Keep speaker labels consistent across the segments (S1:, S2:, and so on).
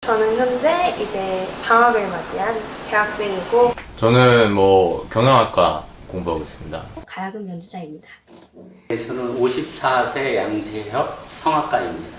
S1: 저는 현재 이제 방학을 맞이한 대학생이고
S2: 저는 경영학과 공부하고 있습니다.
S3: 가야금 연주자입니다.
S4: 저는 54세 양재혁 성악가입니다.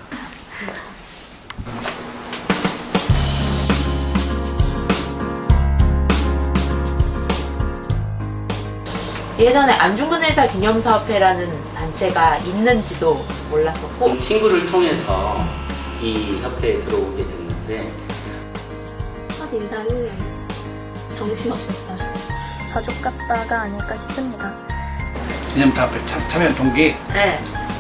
S5: 예전에 안중근 의사 기념사업회라는 단체가 있는지도 몰랐었고
S4: 친구를 통해서 이 협회에 들어오게 됐는데
S3: 첫 인상은 정신없었다.
S6: 가족 같다가 아닐까 싶습니다.
S7: 기념사업회 참여한 동기,
S5: 네.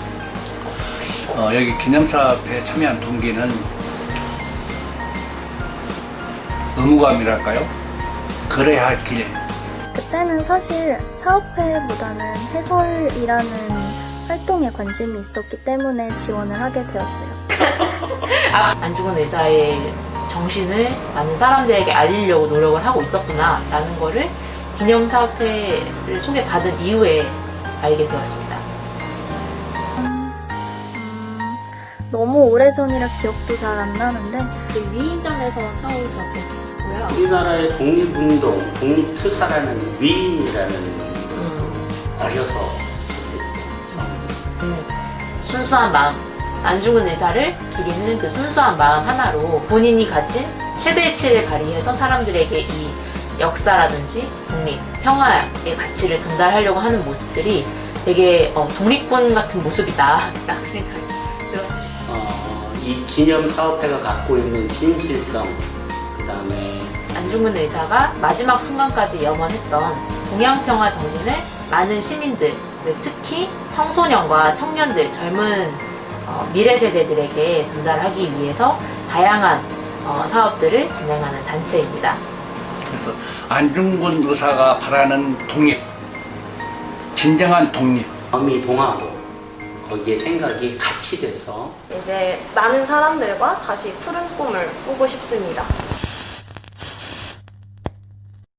S7: 여기 기념사업회에 참여한 동기는 의무감이랄까요? 그래야 할 길.
S6: 그때는 사실 사업회보다는 해설이라는 활동에 관심이 있었기 때문에 지원을 하게 되었어요.
S5: 안중근 의사의 정신을 많은 사람들에게 알리려고 노력을 하고 있었구나라는 거를 기념사업회를 소개받은 이후에 알게 되었습니다.
S6: 너무 오래전이라 기억도 잘 안 나는데
S3: 그 위인전에서 처음 접했고요.
S4: 우리나라의 독립운동, 독립투사라는 위인이라는 것을 어려서 접했죠.
S5: 순수한 마음, 안중근 의사를 기리는 그 순수한 마음 하나로 본인이 가진 최대의 치를 발휘해서 사람들에게 이 역사라든지 독립, 평화의 가치를 전달하려고 하는 모습들이 되게 독립군 같은 모습이다 라고 생각이 들었습니다.
S4: 이 기념사업회가 갖고 있는 진실성, 그 다음에
S5: 안중근 의사가 마지막 순간까지 염원했던 동양평화 정신을 많은 시민들, 특히 청소년과 청년들, 젊은 미래 세대들에게 전달하기 위해서 다양한 사업들을 진행하는 단체입니다.
S7: 그래서 안중근 의사가 바라는 독립, 진정한 독립.
S4: 마음이 동하고 거기에 생각이 같이 돼서
S1: 이제 많은 사람들과 다시 푸른 꿈을 꾸고 싶습니다.